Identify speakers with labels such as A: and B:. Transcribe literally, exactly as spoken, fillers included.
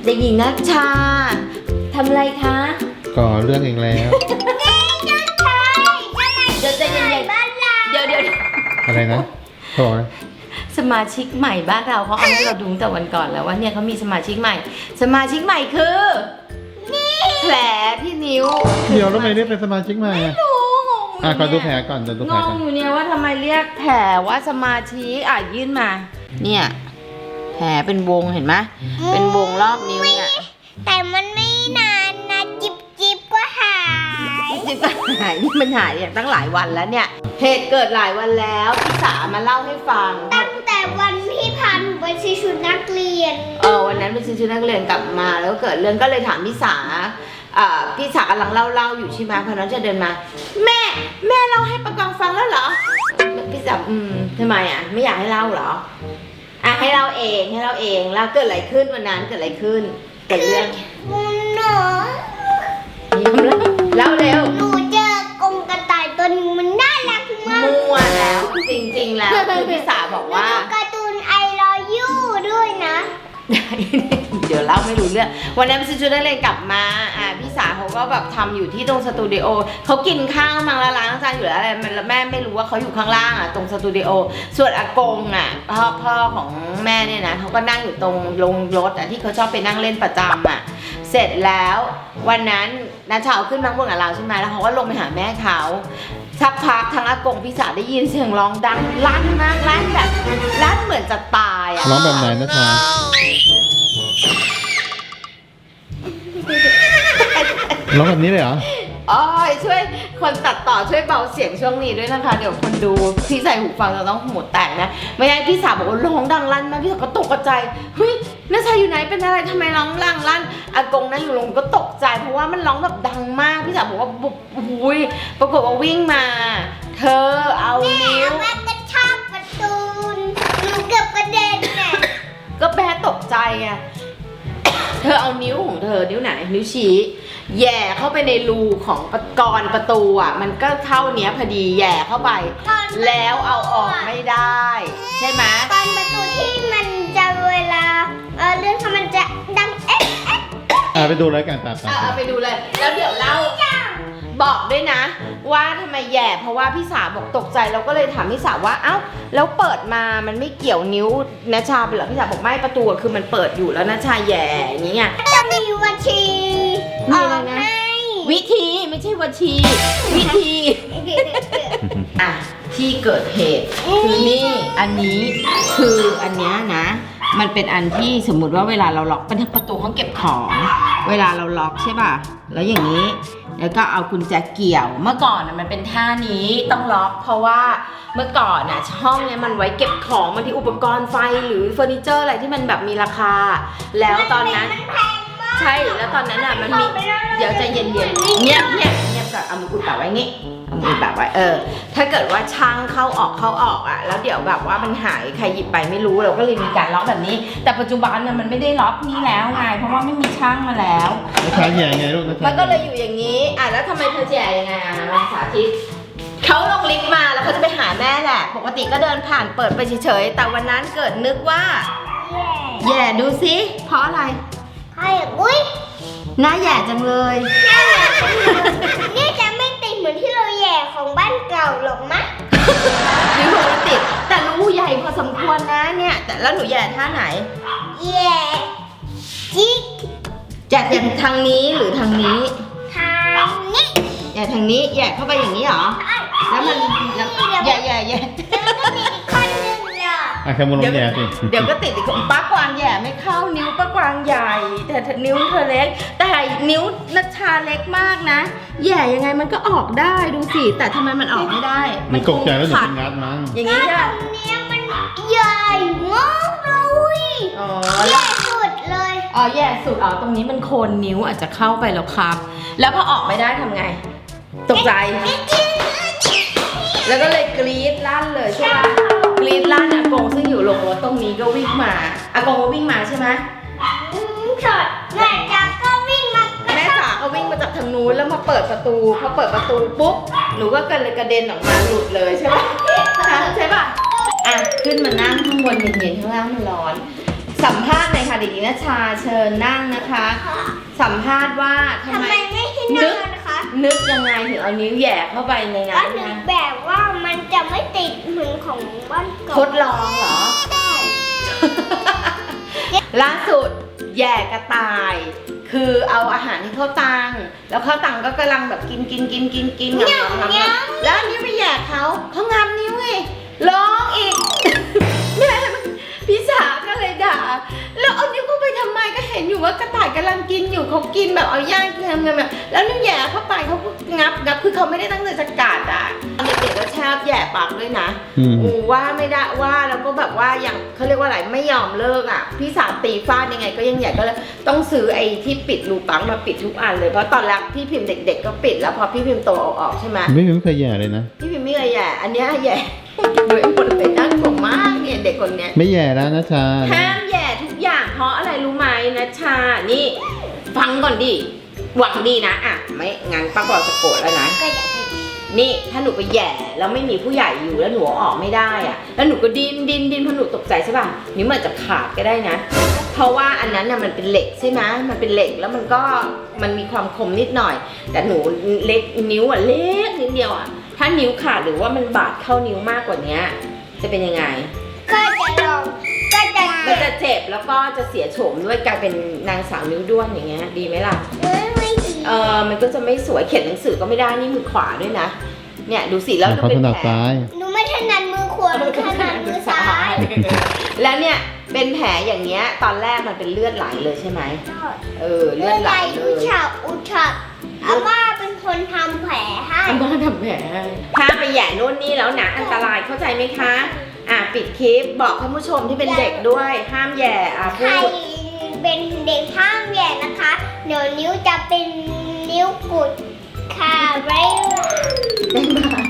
A: เด็กหญิงนัชชาทำอะไรคะ
B: ก่อเรื่องเองแล้ว
A: เดี๋ยวใจเย็นๆเดี๋ยวเดี๋ยว
B: อะไรนะโอย
A: สมาชิกใหม่บ้านเราเขาเอาให้เราดูตั้งแต่วันก่อนแล้วว่าเนี่ยเขามีสมาชิกใหม่สมาชิกใหม่คือแผลที่นิ้ว
B: เดี๋ยวทำไมเรียกเป็นสมาชิกใหม่อ่ะ
A: ไม่รู้งง
B: อ่ะขอดูแผลก่อนดูแผลก่อน
A: งงอยู่เนี่ยว่าทำไมเรียกแผลว่าสมาชิกอ่ะยื่นมาเนี่ยแผลเป็นวงเห็นไหมเป็นวงรอบนิ้วเนี่ย
C: แต่มันไม่นานนะจิบจิบก็หาย
A: จิบก็หายนี่มันหายอย่างตั้งหลายวันแล้วเนี่ยเหตุเกิดหลายวันแล้วพี่สามาเล่าให้ฟัง
C: ตั้งแต่วันที่พาหนูไปซื้อชุดนักเรียน
A: เออวันนั้นไปซื้อชุดนักเรียนกลับมาแล้วเกิดเรื่องก็เลยถามพี่สาอ่าพี่สากำลังเล่าเล่าอยู่ใช่ไหมพอน้องจะเดินมาแม่แม่เล่าให้ปะกองฟังแล้วเหรอพี่สาอืมทำไมอ่ะไม่อยากให้เล่าเหรออ่ะให้เล่าเองให้เล่าเองแล้วเกิดอะไรขึ้นวันนั้นเกิดอะไรขึ้นเกิดเรื่อง
C: หนู
A: เล่าเร็ว
C: หนูเจอกรงกระต่ายตัวนึงมันน่ารักมาก
A: มั่วแล้วจริงๆแล้วคือพี่สาบอกว่า
C: การ์ตูนไอรอยูด้วยนะ
A: เดี๋ยวเล่าไม่รู้เรื่องวันนั้นพี่ชุดนักเรียนกลับมาอ่าพี่สาเขาก็แบบทำอยู่ที่ตรงสตูดิโอเขากินข้าวมังละล้างจานอยู่แล้วอะไรแม่ไม่รู้ว่าเขาอยู่ข้างล่างอ่ะตรงสตูดิโอส่วนอากงอ่ะพ่อพ่อของแม่เนี่ยนะเขาก็นั่งอยู่ตรงลงรถอ่ะที่เขาชอบไปนั่งเล่นประจำอ่ะเสร็จแล้ววันนั้นน้าเช้าขึ้นมาบนกับเราใช่ไหมแล้วเขาก็ลงไปหาแม่เขาสักพักทางอากงพี่สาได้ยินเสียงร้องดังลั่นมากลั่นแบบลั่นเหมือนจะตายอ่ะ
B: ร้องแบบไหนนะจ๊ะร้องแบบนี้เลยเหรอ
A: อ๋อช่วยคนตัดต่อช่วยเบาเสียงช่วงนี้ด้วยนะคะเดี๋ยวคนดูที่ใส่หูฟังเราต้องหูแตกนะไม่ใช่พี่สาวบอกว่าร้องดังลั่นมากพี่สาวก็ตกใจเฮ้ยน้าชายอยู่ไหนเป็นอะไรทำไมร้องดังลั่นอากงนั่งอยู่ลงก็ตกใจเพราะว่ามันร้องแบบดังมากพี่สาวบอกว่าบุบหุยปรากฏว่าวิ่งมาเธอเอานิ้ว
C: แม่กระชากประตูหนูเกือบกระเด็นน่ะ
A: ก็แม่ตกใจไงเธอเอานิ้วของเธอนิ้วไหนนิ้วชี้แย่เข้าไปในรูของกรประตูอ่ะมันก็เท่านี้พอดีแย่เข้าไปแล้วเอาออกไม่ได้ใช่ไหม
C: กรประตูที่มันจะเวลาเออเรื่องมันจะดังเอ๊ะเอ๊ะ
B: อ่าไปดูเลยกันตา
A: อ่าไปดูเลยแล้วเดี๋ยวเล่าบอกด้วยนะว่าทำไมแย่เพราะว่าพี่สาวบอกตกใจเราก็เลยถามพี่สาวว่าเอ้าแล้วเปิดมามันไม่เกี่ยวนิ้วนัชชาไปเหรอพี่สาวบอกไม่ประตูคือมันเปิดอยู่แล้วนัชชาแย่อย่างนี้ไง
C: จะมีวัชี
A: มีอะไรนะวิธีไม่ใช่วัชีวิธีอ่ะที่เกิดเหตุคือนี่อันนี้คืออันนี้นะมันเป็นอันที่สมมุติว่าเวลาเราล็อกประตูห้องเก็บของเวลาเราล็อกใช่ป่ะแล้วอย่างนี้แล้วก็เอากุญแจเกี่ยวเมื่อก่อนนะมันเป็นท่านี้ต้องล็อกเพราะว่าเมื่อก่อนน่ะห้องเนี้ยมันไว้เก็บของบางทีอุปกรณ์ไฟหรือเฟอร์นิเจอร์อะไรที่มันแบบมีราคาแล้วตอนนั้นใช่แล้วตอนนั้นอ่ะมันมีเดี๋ยวใจเย็นๆเงียบเงียบเงียบก่อนเอามือกุดปากไว้งี้เอามือแบบไว้เออถ้าเกิดว่าช่างเข้าออกเข้าออกอ่ะแล้วเดี๋ยวแบบว่ามันหายใครหยิบไปไม่รู้เราก็เลยมีการล็อกแบบนี้แต่ปัจจุบันน่ะมันไม่ได้ล็อกนี้แล้วไงเพราะว่าไม่มีช่างมาแล้ว
B: นัชชาแย่ไงลูกนัชชา
A: มันก็เลยอยู่อย่างนี้อ่ะแล้วทำไมเธอแย่ยังไงอ่ะลองสาธิตเขาลงลิฟต์มาแล้วเขาจะไปหาแม่แหละปกติก็เดินผ่านเปิดไปเฉยๆแต่วันนั้นเกิดนึกว่าแย่ดูซิเพราะอะไร
C: ใครอุ้ย
A: หน้าแย่จังเลย
C: นี่จะไม่ติดเหมือนที่เราแย่ของบ้านเก่าหรอกมะ
A: นิ้วมันติดแต่รูใหญ่พอสมควรนะเนี่ยแต่แล้วหนูแย่ท่าไหน
C: แย่จิ๊ก
A: แย่ทางนี้หรือทางนี้
C: ทางนี้
A: แย่ทางนี้แย่เข้าไปอย่างนี้เหรอแล้วมันแย่แย่แย่
C: แล้วก็มีอีกคนนึงอ่ะ
B: อ่ะแค่มุนลงแย่สิ
A: เดี๋ยวก็ติดอีกคนป้ากวางแย่ไม่เข้านิ้วป้ากวางใหญ่แต่นิ้วเธอเล็กแต่นิ้วนัชชาเล็กมากนะแย่ยังไงมันก็ออกได้ดูสิแต่ทำไมมันออกไม่ได้
B: มันตกใจแล้วถึงงัดมั้ง
A: อย่างนี้
C: ค่ะตรงนี้มันใหญ่มากเลย
A: อ๋อ
C: แย่สุดเลย
A: อ๋อแย่สุดอ๋อตรงนี้มันโคนนิ้วอาจจะเข้าไปแล้วครับแล้วพอออกไม่ได้ทำไงตกใจแล้วก็เลยกรี๊ดลั่นเลยใช่ไหมกรี๊ดลั่นอากงซึ่งอยู่ลงรถตรงนี้ก็วิ่งมาอากงก็วิ่งมาใช่ไหม
C: แม่จ๋าก็วิ่งมา
A: แม่จ๋าก็วิ่งมาจากทางนู้นแล้วมาเปิดประตูพอเปิดประตูปุ๊บหนูก็กันเลยกระเด็นออกมาหลุดเลยใช่ไหมใช่ป่ะอ่ะขึ้นมานั่งข้างบนเย็นๆข้างล่างมันร้อนสัมภาษณ์หน่อยค่ะเด็กหญิงนัชชาเชิญนั่งนะคะ สัมภาษณ์ว่าทำ
C: ทำ
A: ไม
C: ไมไม่ให้นั่งนะคะ
A: นึกยังไงถึงเอานิ้วแหย่เข้าไปใน
C: ก็
A: นั้น
C: นึก
A: นะ
C: แบบว่ามันจะไม่ติดเหมือนของบ้านเก่า
A: ทดลองเหรอ
C: ใช่
A: ล่าสุดแหย่กระต่าย คือเอาอาหารให้เข้าวตังแล้วเข้าวตังก็กำลังแบบกินกินกินกินกินงำงำงำแล้วอันนิ้วไปแหย่เขาเขางำนิ้วไงร้องอีก แม่พี่สาก็เลยด่าแล้วเอานิ้วเข้าไปทำไมก็เห็นอยู่ว่ากระต่ายกำลังกินอยู่เขากินแบบเอาย่างกินงำแบบแล้วนิ้วแหย่เข้าไปเขาก็งับงับคือเขาไม่ได้ตั้งใจจะกัดอ่ะเด็กๆก็ชอบแหย่ปากด้วยนะ
B: อืม
A: อูว่าไม่ได้ว่าแล้วก็แบบว่าอย่างเขาเรียกว่าอะไรไม่ยอมเลิกอ่ะพี่สาวตีฟาดยังไงก็ยังใหญ่ก็เลยต้องซื้อไอ้ที่ปิดรูปังมาปิดทุกอันเลยเพราะตอนแรกพี่พิมพ์เด็ก ๆ ก็ปิดแล้วพอพี่พิมพ์โตเอาออกใช่ไหม
B: ไม่ไม่เคยแย่เลยนะ
A: พี่พิมพ์ไม่เคยแย่อันเนี้ยแย่โดยหมดเลยน่ากลัวมากเนี่ยเด็กคนเนี้ย
B: ไม่แย่แล้วนะชา
A: ห้ามแย่ทุกอย่างเพราะอะไรรู้ไหมนะชานี่ฟังก่อนดิหวังดีนะอ่ะไม่งั้นป้าบอกจะโกรธแล้วนะ
C: ก็อยากให้
A: นี่ถ้าหนูไปแหย่แล้วไม่มีผู้ใหญ่อยู่แล้วหนูเอาออกไม่ได้อะแล้วหนูก็ดิ้นดิ้นดิ้นเพราะหนูตกใจใช่ป่ะนิ้วมันจะขาดก็ได้นะ เพราะว่าอันนั้นน่ะมันเป็นเหล็กใช่ไหมมันเป็นเหล็กแล้วมันก็มันมีความคมนิดหน่อย แต่หนูเล็กนิ้วอ่ะเล็กนิดเดียวอ่ะถ้านิ้วขาดหรือว่ามันบาดเข้านิ้วมากกว่านี้จะเป็นยังไง
C: ก็จะลองก็จะ
A: มันจะเจ็บแล้วก็จะเสียโฉมด้วยกลายเป็นนางสาวนิ้วด้วนอย่างเงี้ยดีไหมล่ะ
C: ไม่ไม่ดี
A: เออมันก็จะไม่สวยเขียนหนังสือก็ไม่ได้นี่มือขวาด้วยนะเนี่ยดูสิแล้วดู
B: เขา
A: เป็
B: ถ
A: น
B: นัด
A: แผล
B: ซ้าย
C: หนูไม่ถนัดมือขวาหนูถนัดมือซ้าย
A: แล้วเนี่ยเป็นแผลอย่างเงี้ยตอนแรกมันเป็นเลือดไหลเลยใช่ไหมเออเลื
C: เลื
A: อ
C: อ
A: ด
C: ด
A: ไห
C: ไห
A: ล
C: ล
A: เล
C: อุ
A: ย
C: ฉับอุฉับอาม่าเป็นคนทำแผลให้
A: อาม่าทำแผลให้ห้ามไปแหย่โน่นนี่แล้วนะอันตรายเข้าใจไหมคะอ่ะปิดคลิปบอกท่านผู้ชมที่เป็นเด็กด้วยห้ามแหย่อ่ะ
C: ใค
A: พู
C: ร
A: ด
C: เป็นเด็กห้ามแหย่นะคะ เดี๋ยวนิ้วจะเป็นนิ้วกุดค่ะไว้
A: บ๊ายบาย